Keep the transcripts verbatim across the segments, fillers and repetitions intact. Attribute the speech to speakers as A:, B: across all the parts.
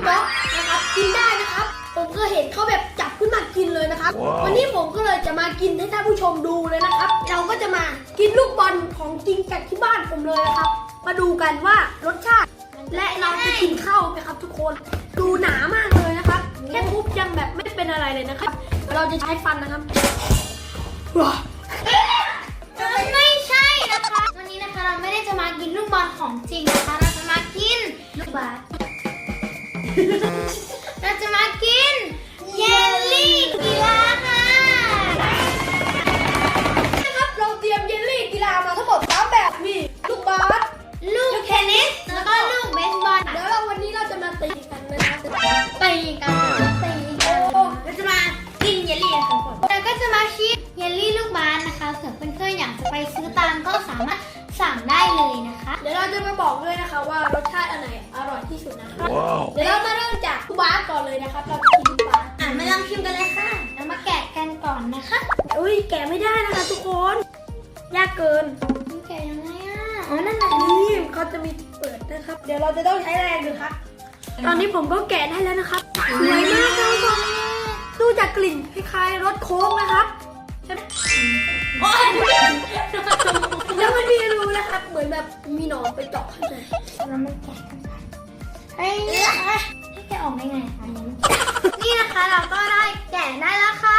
A: บ็อกนะครับกินได้นะครับผมก็เห็นเขาแบบจับขึ้นมากินเลยนะครับ wow. วันนี้ผมก็เลยจะมากินให้ท่านผู้ชมดูเลยนะครับเราก็จะมากินลูกบอลของจริงจากที่บ้านผมเลยนะครับมาดูกันว่ารสชาติและเราจะกินเข้าไหมครับทุกคนดูหนามากเลยนะครับแค่ทุบยังแบบไม่เป็นอะไรเลยนะครับเราจะใช้ฟันนะครับ
B: ไม่ใช่นะคะวันนี้นะคะเราไม่ได้จะมากินลูกบอลของจริงนะคะเราจะมากินลูกบาสเราจะมากินเยลลี่กีฬาค่ะ
A: นะครับเราเตรียมเยลลี่กีฬามาทั้งหมดสามแบบมีลูกบาส
B: ลูกเทนนิสแล้วก็ลูกเบสบอล
A: เดี๋ยวเราวันนี้เราจะมาตีกันนะครับ
B: ตีกันตีกันเราจะมากินเยลลี่ค่ะแล้วก็จะมาชิมเยลลี่ลูกบาสนะคะเผื่อเพื่อนๆอยากจะไปซื้อตามก็สามารถสั่งได้เลยนะคะ
A: เดี๋ยวเราจะมาบอกด้วยนะคะว่ารสชาติอันไหนอร่อยที่สุดนะคะ wow. เดี๋ยวเรามาเริ่มจากลูกบาสก่อนเลยนะครับเราจะกินลูกบาส
B: อ่ะมาลองชิมกันเลยค่ะเรามาแกะกันก่อนนะคะ
A: อุ้ยแกะไม่ได้นะคะทุกคนยากเกิน
B: แกะยังไงอ่ะอ๋อนั่นน่ะ
A: นี่เขาจะมีเปิดนะครับเดี๋ยวเราจะต้องใช้แรงดูครับตอนนี้ผมก็แกะได้แล้วนะครับสวยมากเลยทุกคนดูจากกลิ่นคล้ายๆรสโค้กนะครับใช่ไหมแล้วมันมีรูนะครับเหมือนแบบมีหนอนไปเจาะข้างใน
B: แล้วมันแกะกันไปเฮ้ยให้แกะออกได้ไงคะนี่นะคะเราก็ได้แกะได้แล้วค่ะ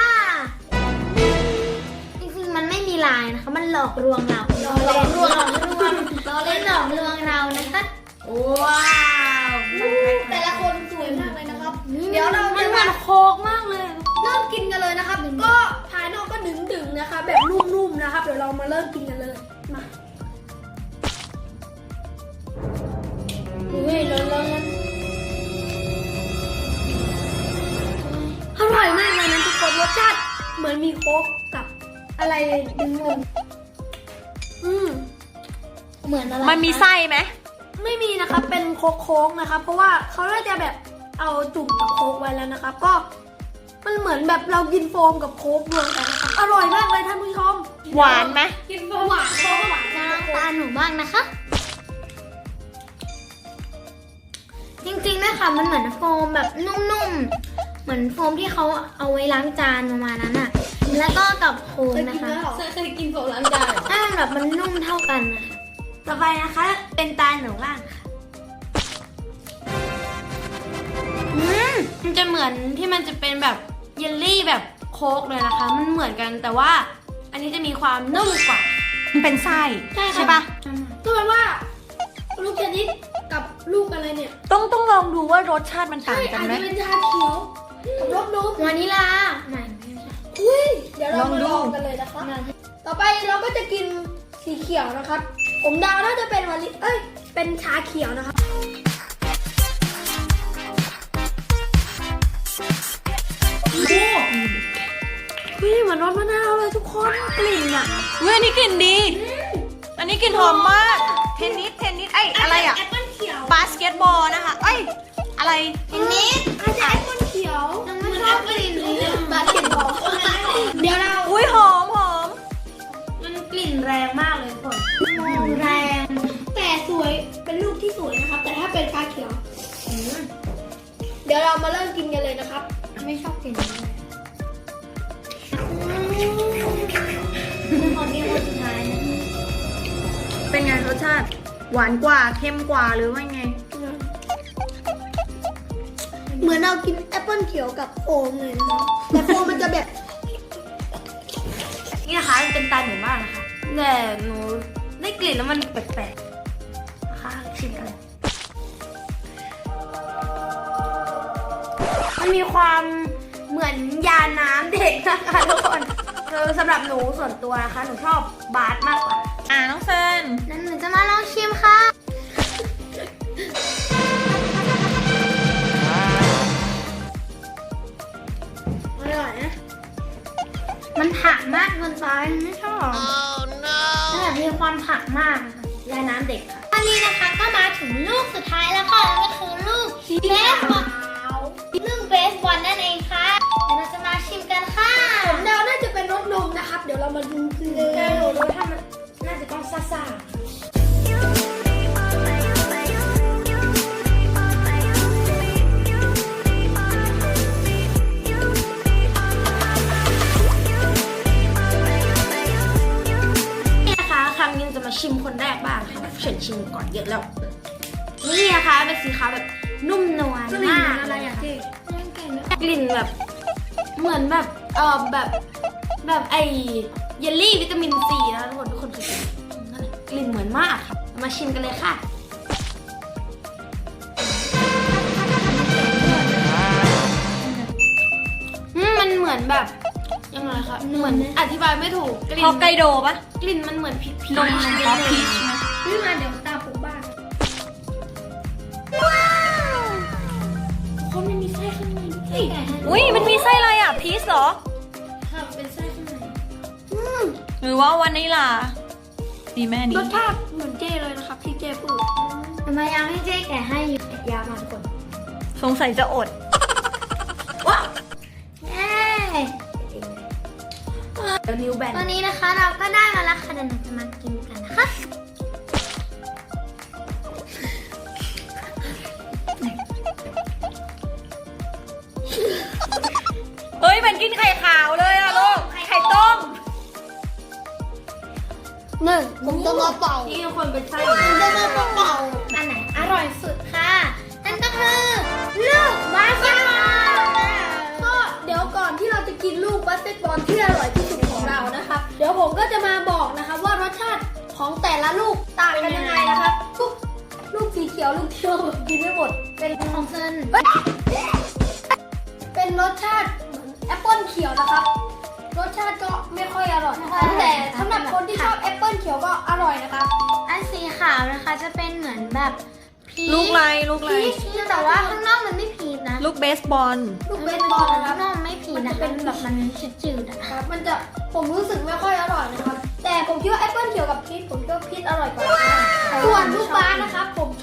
B: จริงๆมันไม่มีลายนะคะมันหลอกลวงเราหลอกลวงหลอกลวงเราเล่นหลอกลวงเรานะคะว้าว
A: แต่ละคนสวยมากเลยนะครับเดี๋ยวเรา
B: มันเหมือนโค้กมากเลย
A: เริ่มกินกันเลยนะครับก็ภายนอกก็ดึงๆนะคะแบบนุ่มๆนะครับเดี๋ยวเรามาเริ่มกินกันเลยมาเฮ้ยร้อนๆอร่อยมากเลยนะทุกคนรสชาติเหมือนมีโค้กกับอะไรดึงลงอืม
B: เหมือนอะไร
C: มันมีไส้ไหม
A: ไม่มีนะครับเป็นโค้กๆนะครับเพราะว่าเขาน่าจะแบบเอาจุ่มกับโค้กไว้แล้วนะครับก็มันเหมือนแบบเรากินโฟมกับโค้กรวมกันนะครับอร่อยมากเลยท่านผู้ชม
C: หวานไหม
A: กินโฟมหวานโค้กหวาน
B: จะลองตาหนูบ้างนะคะจริงๆนะคะมันเหมือนโฟมแบบนุ่มๆเหมือนโฟมที่เขาเอาไว้ล้างจานประมาณนั้นอะแล้วก็กับโค้กนะคะ
A: เคยกินโฟมล้างจาน
B: ให้มันแบบมันนุ่มเท่ากันนะต่อไปนะคะเป็นตาหนูบ้างค่ะ
C: อืมมันจะเหมือนที่มันจะเป็นแบบเยลลี่แบบโค้กเลยนะคะมันเหมือนกันแต่ว่าอันนี้จะมีความนุ่มกว่ามันเป็นไส้ใช่ปะ
A: ก็แปลว่าลูกเทนนิสกับลูกอะไรเนี่ย
C: ต้องต้องลองดูว่ารสชาติมันต่างกันไหม
A: อาจจะเป็นชาเขียวกับรสนม
B: วานิลา
A: ไม่อุ้ยเดี๋ยวเรามาลองกันเลยนะคะต่อไปเราก็จะกินสีเขียวนะครับผมเดาน่าจะเป็นวานิเอ้ยเป็นชาเขียวนะครับเฮ้ยเหมือนรสมะนาวเลยทุกคนกลิ่นอ่ะ
C: เฮ้ยอันนี้กลิ่นดีอันนี้กลิ่นหอมมากเทนนิสเทนนิสไอ้อะไรอ่ะบาสเกตบอลนะคะเอ้ยอะไร
B: เทนนิส
A: อาจจะแอปเปิ้ลเขียว
B: ยังไม่ชอบกลิ่นเลย
A: บาสเกตบอลเดี๋ยวเรา
C: อุ้ยหอมหอม
B: มันกลิ่นแรงมากเลยคนแรง
A: แต่สวยเป็นลูกที่สวยนะครับแต่ถ้าเป็นชาเขียวเดี๋ยวเรามาเริ่มกินกันเลยนะครับ
B: ไม่ชอบกลิ่นเลยขอกินคนสุดท้ายนะ
C: เป็นไงรสชาติหวานกว่าเค็มกว่าหรือว่าไง
A: เหมือนเรากินแอปเปิ้ลเขียวกับโฟมเลยนะครับแต่โฟมมันจะแบบ
C: นี่นะคะเป็นตาหนูบ้างนะคะแต่หนูได้กลิ่นแล้วมันแปลกๆนะคะชิมกันมันมีความเหมือนยาน้ำเด็กนะคะทุกคนคือสำหรับหนูส่วนตัวนะคะหนูชอบบาสมากกว่าอ่าน้องเฟิร์น
B: นั่นหนูจะมาลองชิมค่ะ
A: อร่อยนะ
B: มันผักมากเกินไปไม่ชอบแต่แบบมีความผักมากค่ะยาน้ำเด็กค่ะอันนี้นะคะก็มาถึงลูกสุดท้ายแล้วค่ะนั่นก็คือลูกเบสบอลลูกเบสบอลนั่นเองค่ะเดี๋ยวเราจะมาชิมกันค่ะ
A: ผมเดาน่าจะเป็นรสนมนะครับเดี๋ยวเรามาดูกันเลยรสถ้ามันน่าจะต้องซ่าๆ
C: ชิมคนแรกบ้างค่ะเฉินชิมก่อนเยอะแล้วนี่นะคะเป็นสีขาวแบบนุ่มนวล
A: กลิ่น
C: มาก
A: อะไรอะเจ๊
C: กลิ่นแบบเหมือนแบบเออแบบแบบไอเยลลี่วิตามินซีนะคะทุกคนทุกคนเคยกินนั่นแหละกลิ่นเหมือนมากค่ะมาชิมกันเลยค่ะอืมมันเหมือนแบบยังไงคะเหมือนอธิบายไม่ถูกกลิ่น
D: ฮอกไกโดปะ
C: กลิ่นมันเหมือนพีช
D: นมฮอกพีชไหม
A: พี่มาเดี๋ยวตามผมบ้าง
C: คนมันมีไส้ข้างในด้วย
D: อุ้ยมันมีไส้อะไรอ่ะ พีชเหรอ
C: ค่ะเป็นไส้ข้างใน
A: อืม
D: หรือว่าวันนี้ล่ะดีแม่
A: ร
D: นี้
A: สชาติเหมือนเจ๊เลยนะครับที่เจ๊พูด
B: ทำไมยังให้เจ๊แกะให้อยู่ยาวมาทุกคน
D: สงสัยจะอด
C: ว้า
B: เย้
C: เดี๋ยวนิ้วแบน
B: ตอนนี้นะคะเราก็ได้มาแล้วค่ะเดี๋ยวเราจะมากินกันนะคะ
D: เฮ้ยมันกินไข่ขาวเลยอ่ะลูก ไข่ต้ม
A: หนึ่งผมจะมาเป่า
C: นี่ทุกคนเป็นไส้
A: ผมจะมาเป่า
B: อันไหนอร่อยสุดค่ะ นั่นก็คือลูกบาสเกตบอล
A: ก็เดี๋ยวก่อนที่เราจะกินลูกบาสเกตบอลที่อร่อยที่สุดของเรานะครับ เดี๋ยวผมก็จะมาบอกนะครับว่ารสชาติของแต่ละลูกต่างกันยังไงนะครับลูกลูกสีเขียวลูกที่เรากินไม่หมดเป็น
B: ของเซน
A: เป็นรสชาติเหมือนแอปเปิลเขียวนะครับ รสชาติก็ไม่ค่อยอร่อยนะครับแต่สำหรับคนที่ชอบแอปเปิลเขียวก็อร่อยนะครับ
B: อันสีขาวนะคะจะเป็นเหมือนแบบพีช
D: ลูกไรลูกไร
B: พีชแต่ว่าข้างนอกมันไม่พีชนะ
D: ลูกเบสบอล
A: ลูกเบสบอลนะครั
B: ข้า
A: บ
B: งนอกไม่พีชนะคะเป็นแบบมันจืดๆอะ
A: ครับมันจะผมรู้สึกไม่ค่อยอร่อยนะครับ แต่ผมคิดว่าแอปเปิลเขียวกับพีชผมคิดว่าพีชอร่อยกว่านะครับส่วนลูกบาสนะครับ ผม